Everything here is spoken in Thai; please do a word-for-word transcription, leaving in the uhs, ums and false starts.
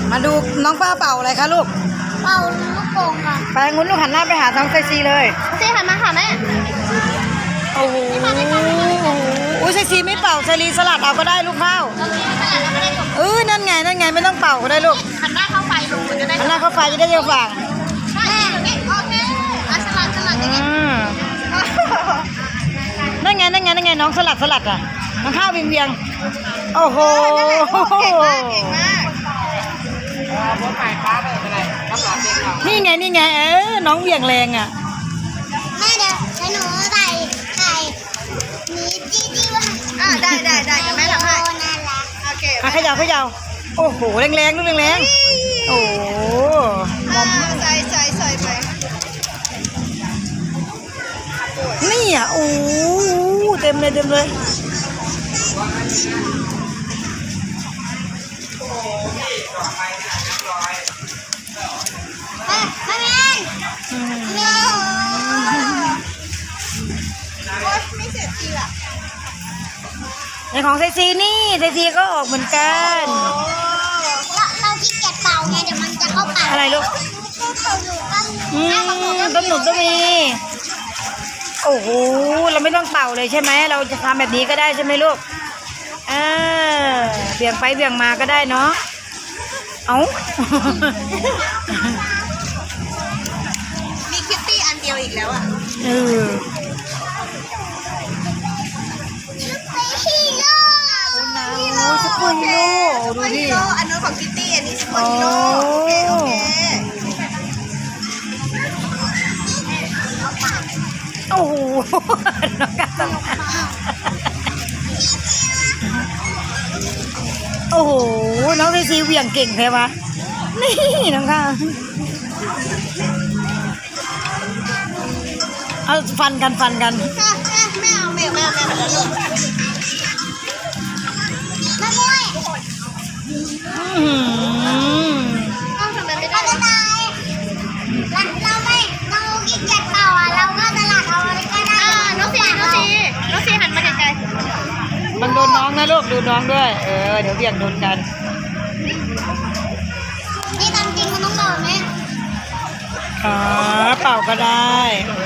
มาดูน้องป้าเป่าอะไรคะลูกเป่าลูกโป่งค่ะไปงุ้นลูกหันหน้าไปหาท้องเซ็กซี่เลยเซ็กซี่หันมาค่ะแม่โอ้โหอุ้ยเซ็กซี่ไม่เป่าสลีสลัดเอาก็ได้ลูกข้าวเออนั่นไงนั่นไงไม่ต้องเป่าก็ได้ลูกหันหน้าเข้าไฟลงจะได้หันหน้าเข้าไฟจะได้เร็วฝั่งแม่โอเคอ่ะสลัดสลัดอย่างงี้นั่นไงนั่นไงนั่นไงน้องสลัดสลัดอ่ะน้องข้าวเวียงเวียงโอ้โหเก่งมากเก่งมากนี่ไงนี่ไงเออน้องเวียงแรงอ่ะแม่เดี๋ยวให้หนูใส่ใส่นี้จี้จี้ว่าอ่าได้ได้ได้กับแม่ทำให้โอเคอ่ะขยับขยับโอ้โหแรงแรงลูกแรงแรงโอ้โหใส่ใส่ใส่ไปนี่อ่ะโอ้เต็มเลยเต็มเลยในของเซซีนี่เซซีก็ออกเหมือนกันเราที่เก็บเป่าไงเดี๋ยวมันจะเข้าปากอะไรลูกอืมต้มหนุนก็มีโอ้โหเราไม่ต้องเป่าเลยใช่ไหมเราจะทำแบบนี้ก็ได้ใช่ไหมลูกเออเบี่ยงไปเบี่ยงมาก็ได้เนาะเอามีคิตตี้อันเดียวอีกแล้วอ่ะเออสปูนฮีโร่ดูดิอันนู้นของคิตตี้อันนี้สปูนฮีโร่โอเคโอเคโอ้โหน้องกันโอ้โหน้องเซซีเหวี่ยงเก่งแท้ปะนี่น้องค่ะเอาฟันกันฟันกันแม่เอาแม่แม่แม่แม่ลูกแม่บอยต้องทำแบบนี้ได้เราเราไม่เราขี้เกียจเป่าอ่ะเราก็ตลาดเอาอะไรก็ได้อ่าน้องซีน้องซีน้องซีหันมาไกลๆมันโดนน้องนะลูกดูน้องด้วยเออเดี๋ยวเบี่ยงโดนกันนี่ตามจริงมันต้องเป่าไหมอ๋อเป่าก็ได้